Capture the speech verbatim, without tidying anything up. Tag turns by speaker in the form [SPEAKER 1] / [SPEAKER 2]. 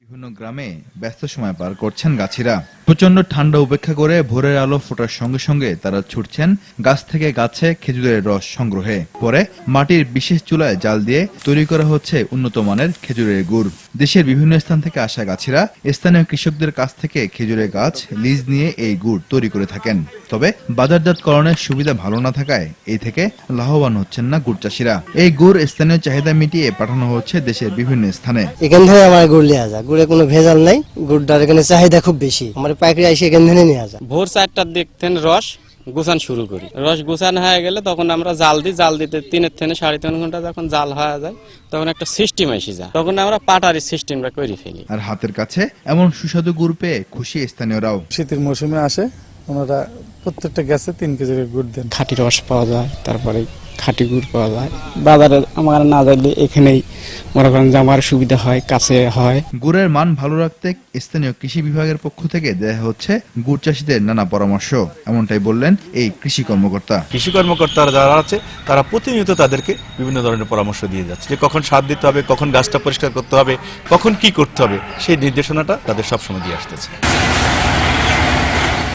[SPEAKER 1] বিভিন্ন গ্রামে ব্যস্ত সময় পার করছেন গাছিরা। প্রচন্ড ঠান্ডা উপেক্ষা করে ভোরের আলো ফোটার সঙ্গে সঙ্গে তারা ছুটছেন গাছ থেকে গাছে খেজুরের রস সংগ্রহে। পরে মাটির বিশেষ চুলায় জাল দিয়ে তৈরি করা হচ্ছে উন্নত মানের খেজুরের গুড়। দেশের বিভিন্ন স্থান থেকে আসা গাছিরা স্থানীয় কৃষকদের কাছ থেকে খেজুরের গাছ লিজ নিয়ে এই গুড় তৈরি করে থাকেন। তবে বাজারজাতকরণের সুবিধা ভালো না থাকায় এই থেকে লাভবান হচ্ছেন না গুড় চাষিরা। এই গুড় স্থানীয় চাহিদা মিটিয়ে পাঠানো হচ্ছে দেশের বিভিন্ন স্থানে।
[SPEAKER 2] এখান থেকে আমার গুড় লিয়া যায়, গুড়ে কোনো ভেজাল নাই, গুড়টার এখানে চাহিদা খুব বেশি, আমার পাইকারি এসে এখান থেকে নিয়ে যায়।
[SPEAKER 3] ভোর চারটার দিক থেকে রস গুছান শুরু করি, রস গুছান হয়ে গেলে তখন আমরা জাল দিই, জাল দিতে তিনের থেকে সাড়ে তিন ঘন্টা যখন জাল হয়ে যায় তখন একটা সিস্টেম এসে যায়, তখন আমরা পাটারি সিস্টেমটা করে ফেলি।
[SPEAKER 1] আর হাতের কাছে এমন সুস্বাদু গুড় পেয়ে খুশি স্থানীয়রাও।
[SPEAKER 4] শীতের মৌসুমে আসে ওনারা প্রত্যেকটা গ্যাসে তিন কেজির গুড় দেন।
[SPEAKER 5] খাঁটি রস পাওয়া যায়, তারপরে খাঁটি গুড় পাওয়া যায়। বাজারে আমার না যাইলে এখানেই মনে করেন যে আমার সুবিধা হয়, কাছে হয়।
[SPEAKER 1] গুড়ের মান ভালো রাখতে স্থানীয় কৃষি বিভাগের পক্ষ থেকে দেয়া হচ্ছে গুড় চাষীদের নানা পরামর্শ, এমনটাই বললেন এই কৃষি কর্মকর্তা।
[SPEAKER 6] কৃষি কর্মকর্তারা যারা আছে তারা প্রতিনিয়ত তাদেরকে বিভিন্ন ধরনের পরামর্শ দিয়ে যাচ্ছে যে কখন সার দিতে হবে, কখন গাছটা পরিষ্কার করতে হবে, কখন কি করতে হবে, সেই নির্দেশনাটা তাদের সবসময় দিয়ে আসতেছে।